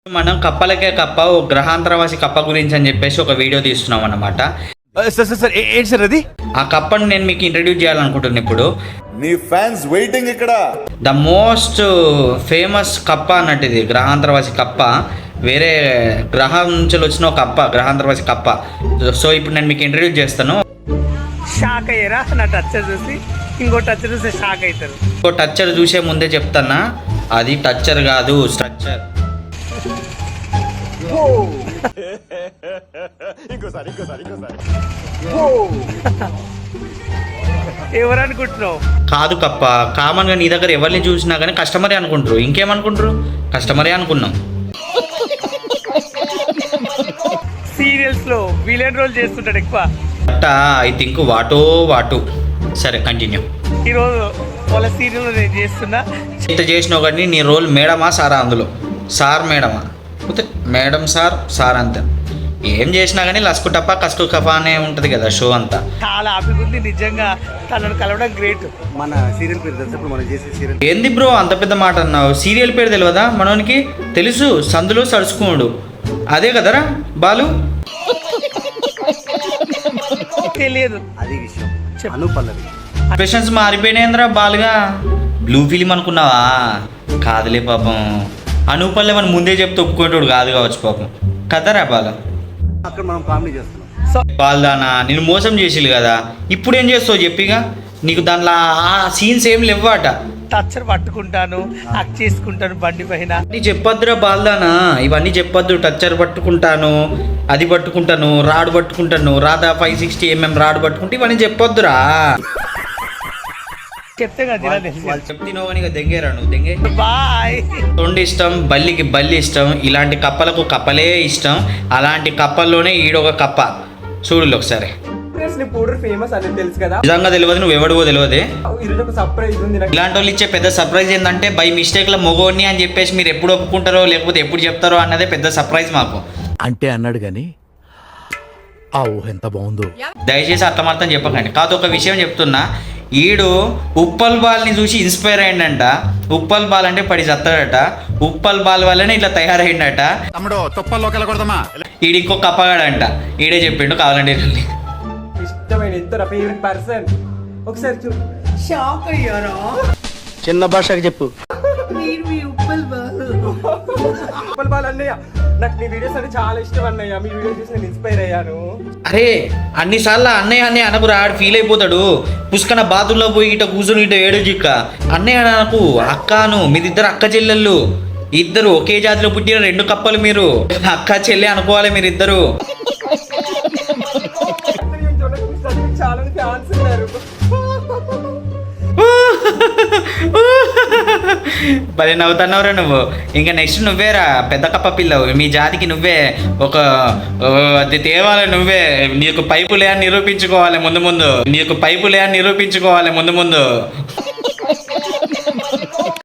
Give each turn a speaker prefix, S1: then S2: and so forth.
S1: మనం కప్పలకే కప్ప ఓ గ్రహాంతరవాసి కప్ప గురించి అని చెప్పేసి ఒక వీడియో తీస్తున్నాం అన్నమాట.
S2: ఏంటి సార్ అది?
S1: ఆ కప్పను నేను మీకు ఇంట్రడ్యూస్ చేయాలనుకుంటున్నాను ఇప్పుడు.
S3: నీ ఫ్యాన్స్ వెయిటింగ్ ఇక్కడ.
S1: ద మోస్ట్ ఫేమస్ కప్ప అన్నట్టు ఇది, గ్రహాంతరవాసి కప్ప. వేరే గ్రహం నుంచి వచ్చిన ఒక కప్ప, గ్రహాంతరవాసి కప్ప. సో ఇప్పుడు నేను మీకు ఇంట్రడ్యూస్ చేస్తాను.
S4: షాక్ అయ్యారా నా టచ్చర్ చూసి? ఇంకో టచ్చర్ చూసి షాక్ అవుతారు.
S1: ఇంకో టచ్చర్ చూసే ముందే చెప్తానా, అది టచ్చర్ కాదు, స్ట్రక్చర్.
S4: ఎవరు అనుకుంటున్నావు?
S1: కాదు కప్ప. కామన్గా నీ దగ్గర ఎవరిని చూసినా కానీ కస్టమరే అనుకుంటారు. ఇంకేమనుకుంటారు? కస్టమరే అనుకున్నాం.
S4: సీరియల్స్ లో విలన్ రోల్ చేస్తుంటాడు ఎక్కువ.
S1: I think what. సరే కంటిన్యూ.
S4: ఈరోజు వాళ్ళ సీరియల్ నేను చేస్తున్నా.
S1: ఇంత చేసినావు కానీ నీ రోల్ మేడమా సారా? అందులో సార్ మేడమా? మేడం సార్ అంతే. ఏం చేసినా కానీ లస్కు టప్ప కస్కు కఫా అనే ఉంటుంది కదా షో అంతా.
S4: చాలా హ్యాపీగా ఉంది నిజంగా, తనను కలవడం గ్రేట్.
S2: మన సీరియల్ పేరు తెలుసు, మనం చేసే సీరియల్.
S1: ఏంది బ్రో అంత పెద్ద మాట అన్నావు? సీరియల్ పేరు తెలియదా మనోనికి? తెలుసు, సందులో సడుచుకోడు. అదే కదరా బాలు?
S4: తెలియదు
S2: అది విషయం. అనుపల్లవి
S1: ఎక్స్ప్రెషన్స్ మారిపోయినాయంద్రా బాలుగా. బ్లూ ఫిలిం అనుకున్నావా? కాదులే పాపం. అనూపల్లెమని ముందే చెప్తే ఒప్పుకునేటోడు కాదు కావచ్చు పాపం. కదరా బాలు?
S2: అక్కడ మనం కామెడీ చేస్తున్నాం.
S1: బాల్దానా నిన్ను మోసం చేసిల్లు కదా, ఇప్పుడు ఏం చేస్తావు చెప్పిగా? నీకు దాంట్లో ఆ సీన్స్ ఏం లేవాట.
S4: టచ్చర్ పట్టుకుంటాను, హక్ చేసుకుంటాను బండి పైన.
S1: నీ చెప్పొద్దురా బాల్దానా, ఇవన్నీ చెప్పొద్దు. టచ్చర్ పట్టుకుంటాను, అది పట్టుకుంటాను, రాడ్ పట్టుకుంటాను, రాధా 560mm రాడ్ పట్టుకుంటే ఇవన్నీ చెప్పొద్దురా.
S4: చెప్తే కదా
S1: చెప్తినో కానీ దెంగేరా నువ్వు. దెంగే
S4: బాయ్.
S1: తొండి ఇష్టం, బల్లికి బల్లి ఇష్టం, ఇలాంటి కప్పలకు కప్పలే ఇష్టం. అలాంటి కప్పల్లోనే ఈడొక కప్ప. చూడు ఒకసారి.
S5: పౌడర్ ఫేమస్ అనేది తెలుసు కదా,
S1: నిజంగా తెలియదు, నువ్వు ఎవడివో తెలియదే.
S5: ఈరోజు ఒక సర్ప్రైజ్ ఉంది నాకు.
S1: ఇలాంటి వాళ్ళు ఇచ్చే పెద్ద సర్ప్రైజ్ ఏంటంటే బై మిస్టేక్లో మొగోడిని అని చెప్పేసి మీరు ఎప్పుడు ఒప్పుకుంటారో లేకపోతే ఎప్పుడు చెప్తారో అన్నదే పెద్ద సర్ప్రైజ్ మాకు.
S6: అంటే అన్నాడు కానీ ఆ ఊహ ఎంత బాగుందో.
S1: దయచేసి అర్థమర్థం చెప్పకండి. కాదు ఒక విషయం చెప్తున్నా, ఈడు ఉప్పల్ బాల్ని చూసి ఇన్స్పైర్ అయ్యిందంట. ఉప్పల్ బాల్ అంటే పడి చస్తాడట. ఉప్పల్ బాల్ వల్లనే ఇట్లా తయారైందట.
S6: తమ్ముడు తుప్పల్లోకి వెళ్ళకూడదమ్మా.
S1: ఈడు ఇంకో కప్పగాడంట. ఈడే చెప్పిండు కావాలంటే.
S5: ఇష్టమైన ఇద్దరు ఫేవరెట్ పర్సన్. ఒకసారి చూ.
S4: షాక్ అయ్యారా?
S2: చిన్న భాషకి చెప్పు.
S5: ఉప్పల్ బాల్ అన్నయ్య, నాకు మీ వీడియోస్ అంటే చాలా ఇష్టం అన్నయ్య. మీ వీడియోస్ చూసి నేను ఇన్స్పైర్ అయ్యాను.
S1: అరే అన్నిసార్లు అన్నయ్య అనకు రాడు, ఫీల్ అయిపోతాడు. పుష్కన బాతుల్లో పోయి ఇట కూర్చొని ఇట ఏడు జిక్క అన్నయ్య నాకు అక్కను. మీరిద్దరు అక్క చెల్లెళ్ళు, ఇద్దరు ఒకే జాతిలో పుట్టిన 2 కప్పలు. మీరు అక్క చెల్లె అనుకోవాలి మీరిద్దరు.
S5: చాలా ఫ్యాన్స్ ఉన్నారు.
S1: భలే నవ్వుతున్నావురా నువ్వు. ఇంకా నెక్స్ట్ నువ్వేరా పెద్ద కప్ప పిల్లవు. మీ జాతికి నువ్వే ఒక అది తేవాలి. నువ్వే నీకు పైపులే అని నిరూపించుకోవాలి ముందు. నీకు పైపులే అని నిరూపించుకోవాలి ముందు.